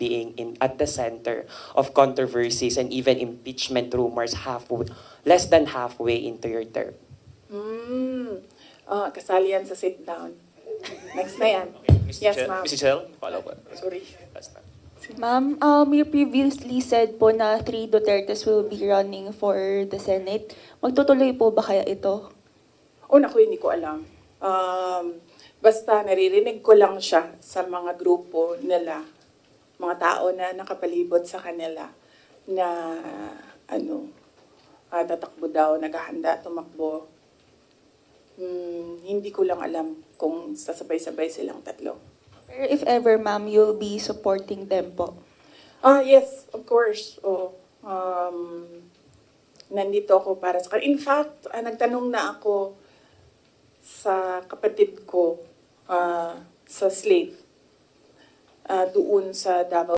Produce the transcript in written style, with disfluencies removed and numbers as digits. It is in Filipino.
being at the center of controversies and even impeachment rumors less than halfway into your term? Kasali yan sa sit down. Next na yan. Yes, ma'am. Mr. Chair, follow up. Sorry. Ma'am, you previously said po na 3 Dutertes will be running for the Senate. Magtutuloy po ba kaya ito? Naku, hindi ko alam. Basta naririnig ko lang siya sa mga grupo nila, mga tao na nakapalibot sa kanila na tatakbo daw, naghahanda, tumakbo. Hindi ko lang alam kung sasabay-sabay silang tatlo. Pero if ever, ma'am, you'll be supporting them po. Yes, of course. Nandito ako para sa kanila. In fact, nagtanong na ako sa kapatid ko sa Slate doon sa Davao